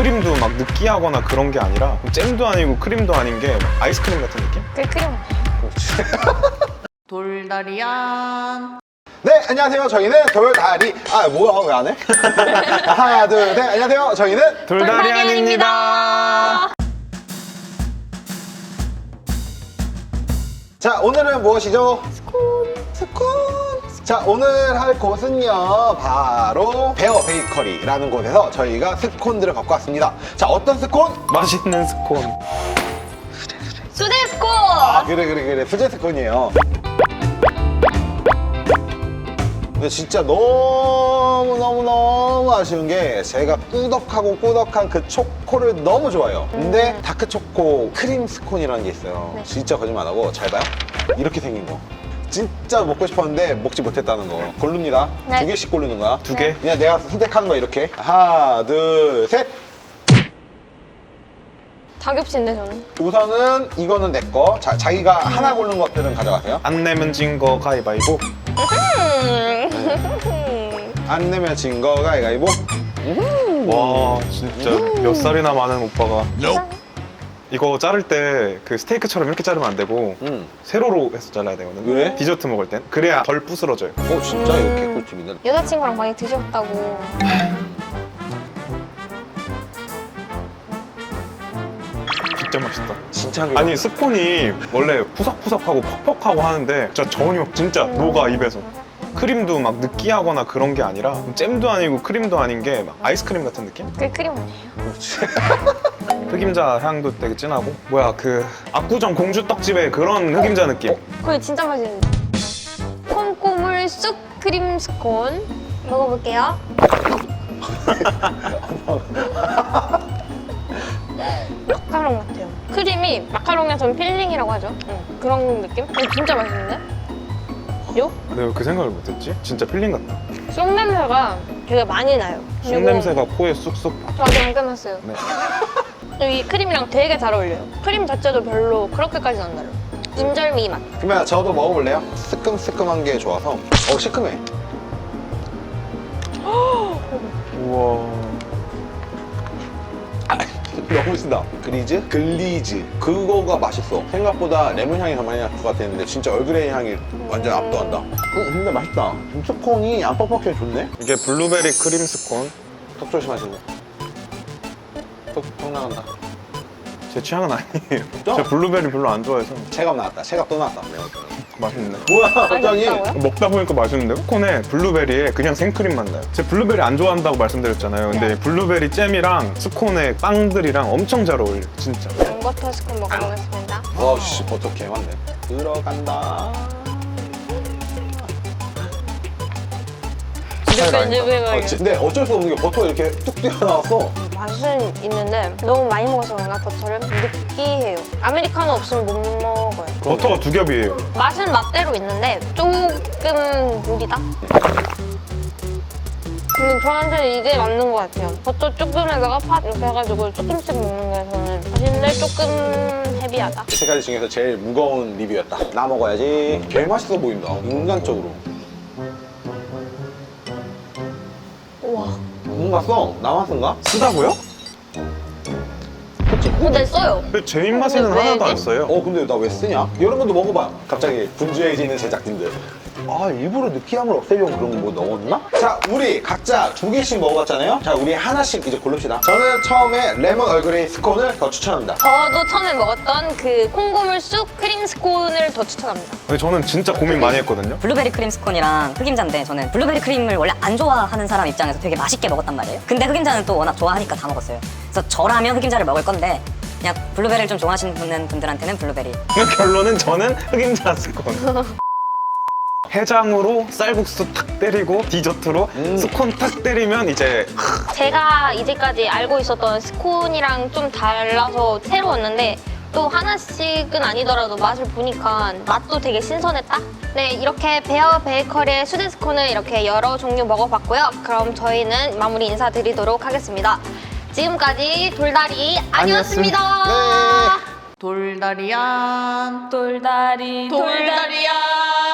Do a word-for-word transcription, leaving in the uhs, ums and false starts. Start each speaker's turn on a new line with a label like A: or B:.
A: 크림도 막 느끼하거나 그런 게 아니라 잼도 아니고 크림도 아닌 게 아이스크림 같은 느낌?
B: 그 크림
C: 돌다리안.
D: 네, 안녕하세요. 저희는 돌다리. 아, 뭐야, 왜 안 해? 하나, 둘, 셋. 안녕하세요. 저희는
A: 돌다리안입니다.
D: 자, 오늘은 무엇이죠? 스콘. 스콘. 자, 오늘 할 곳은요, 바로 베어 베이커리라는 곳에서 저희가 스콘들을 갖고 왔습니다. 자, 어떤 스콘?
A: 맛있는 스콘.
B: 수제 스콘!
D: 아, 그래, 그래, 그래. 수제 스콘이에요. 근데 진짜 너무너무너무 아쉬운 게 제가 꾸덕하고 꾸덕한 그 초코를 너무 좋아해요. 근데 다크초코 크림 스콘이라는 게 있어요.
B: 네.
D: 진짜 거짓말 안 하고 잘 봐요. 이렇게 생긴 거. 진짜 먹고 싶었는데 먹지 못했다는 거. 고릅니다.
B: 네.
D: 두 개씩 고르는 거야.
A: 두 개?
D: 그냥 내가 선택하는 거야, 이렇게. 하나, 둘, 셋.
B: 다 겹친데 저는.
D: 우선은 이거는 내 거. 자, 자기가 하나 고른 것들은 가져가세요.
A: 안 내면 진 거 가위바위보.
D: 안 내면 진 거 가위가위보.
A: 와 진짜 몇 살이나 많은 오빠가 이거 자를 때 그 스테이크처럼 이렇게 자르면 안 되고
D: 음.
A: 세로로 해서 잘라야 되거든.
D: 왜?
A: 디저트 먹을 땐 그래야 덜 부스러져요.
D: 어, 진짜 이렇게 꿀팁이네.
B: 여자친구랑 많이 드셨다고.
A: 진짜 맛있다.
D: 진짜 그
A: 아니 스콘이 원래 푸석푸석하고 퍽퍽하고 하는데 진짜 전혀 진짜 녹아 입에서. 크림도 막 느끼하거나 그런 게 아니라 잼도 아니고 크림도 아닌 게 막 아이스크림 같은 느낌?
B: 그 크림 아니에요.
A: 흑임자 향도 되게 진하고 뭐야 그 압구정 공주떡집의 그런 흑임자 느낌.
B: 그게 진짜 맛있는데. 콩고물 쑥 크림 스콘 먹어볼게요. 마카롱 같아요. 크림이 마카롱이랑 전 필링이라고 하죠. 응. 그런 느낌? 어, 진짜 맛있는데? 요?
A: 내가 왜 그 생각을 못했지? 진짜 필링 같다.
B: 쑥 냄새가 되게 많이 나요.
A: 쑥
B: 그리고
A: 냄새가 코에 쑥쑥.
B: 아직 안 끝났어요.
A: 네.
B: 이 크림이랑 되게 잘 어울려요. 크림 자체도 별로 그렇게까지는 안 달아요. 인절미 맛.
D: 그러면 저도 먹어볼래요? 스큼스큼한 게 좋아서. 어, 시큼해.
A: 우와.
D: 너무 신다. 그리즈? 글리즈. 그거가 맛있어. 생각보다 레몬 향이 더 많이 날 것 같았는데 진짜 얼그레이 향이 완전 압도한다. 음, 근데 맛있다. 스콘이 안 뻑뻑해 좋네?
A: 이게 블루베리 크림 스콘.
D: 턱 조심하시고. 턱, 턱 나간다.
A: 제 취향은 아니에요.
D: 진짜?
A: 저 블루베리 별로 안 좋아해서.
D: 체갑 나왔다. 체갑 또 나왔다. 매운 거.
A: 맛있네.
D: 뭐야, 갑자기?
B: 맛있다고요?
A: 먹다 보니까 맛있는데요? 스콘에 블루베리에 그냥 생크림 맛 나요. 제가 블루베리 안 좋아한다고 말씀드렸잖아요. 근데 블루베리 잼이랑 스콘의 빵들이랑 엄청 잘 어울려, 진짜.
B: 버터 스콘 먹어보겠습니다.
D: 와, 씨, 버터 개 많네. 들어간다.
A: 스타일 아닌가?
D: 어, 근데 어쩔 수 없는 게 버터가 이렇게 뚝 튀어나왔어.
B: 맛은 있는데 너무 많이 먹어서 그런가 버터를 느끼해요. 아메리카노 없으면 못 먹어요.
A: 버터가 두 겹이에요.
B: 맛은 맛대로 있는데 조금 무리다. 근데 저한테는 이게 맞는 것 같아요. 버터 조금에다가 팥 이렇게 해가지고 조금씩 먹는 게 저는 맛있는데 조금 헤비하다.
D: 세 가지 중에서 제일 무거운 리뷰였다. 나 먹어야지. 개 맛있어 보인다. 인간적으로.
B: 우와.
D: 뭔가 써. 나맛인가?
A: 쓰다고요?
D: 그치?
B: 근데 써요.
A: 근데 제 입맛에는
B: 왜
A: 하나도 안
B: 왜지?
A: 써요.
D: 어, 근데 나 왜 쓰냐? 여러분도 먹어봐. 갑자기 분주해지는 제작진들. 아, 일부러 느끼함을 없애려고 그런 거 뭐 넣었나? 자, 우리 각자 두 개씩 먹어봤잖아요? 자, 우리 하나씩 이제 고릅시다. 저는 처음에 레몬 얼그레이 스콘을 더 추천합니다.
B: 저도 처음에 먹었던 그 콩고물 쑥 크림 스콘을 더 추천합니다.
A: 근데 저는 진짜 고민 많이 했거든요.
E: 블루베리 크림 스콘이랑 흑임자인데 저는 블루베리 크림을 원래 안 좋아하는 사람 입장에서 되게 맛있게 먹었단 말이에요. 근데 흑임자는 또 워낙 좋아하니까 다 먹었어요. 그래서 저라면 흑임자를 먹을 건데 그냥 블루베리를 좀 좋아하시는 분들한테는 블루베리.
A: 결론은 저는 흑임자 스콘. 해장으로 쌀국수 탁 때리고 디저트로
D: 음.
A: 스콘 탁 때리면 이제
B: 제가 이제까지 알고 있었던 스콘이랑 좀 달라서 새로웠는데 또 하나씩은 아니더라도 맛을 보니까 맛도 되게 신선했다? 네, 이렇게 베어 베이커리의 수제 스콘을 이렇게 여러 종류 먹어봤고요. 그럼 저희는 마무리 인사드리도록 하겠습니다. 지금까지 돌다리 아니었습니다.
D: 네.
C: 돌다리안.
B: 돌다리
C: 돌다리안.